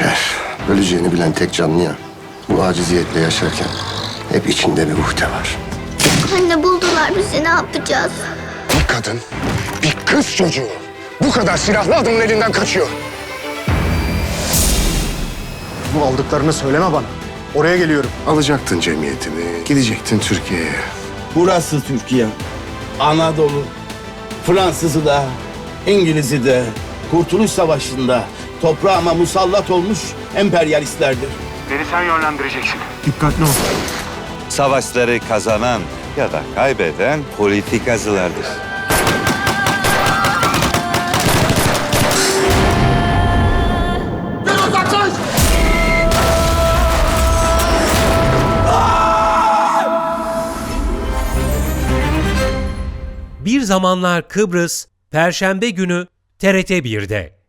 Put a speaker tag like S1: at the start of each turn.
S1: Yaşar, öleceğini bilen tek canlı ya. Bu aciziyetle yaşarken hep içinde bir uhde var.
S2: Anne buldular bizi, ne yapacağız?
S3: Bir kadın, bir kız çocuğu bu kadar silahlı adamın elinden kaçıyor.
S4: Bu aldıklarını söyleme bana. Oraya geliyorum.
S1: Alacaktın cemiyetini, gidecektin Türkiye'ye.
S5: Burası Türkiye. Anadolu. Fransızı da, İngiliz'i de, Kurtuluş Savaşı'nda toprağıma musallat olmuş emperyalistlerdir.
S6: Beni sen yönlendireceksin.
S4: Dikkatli ol.
S7: Savaşları kazanan ya da kaybeden politikacılardır.
S8: Bir Zamanlar Kıbrıs, Perşembe günü TRT 1'de.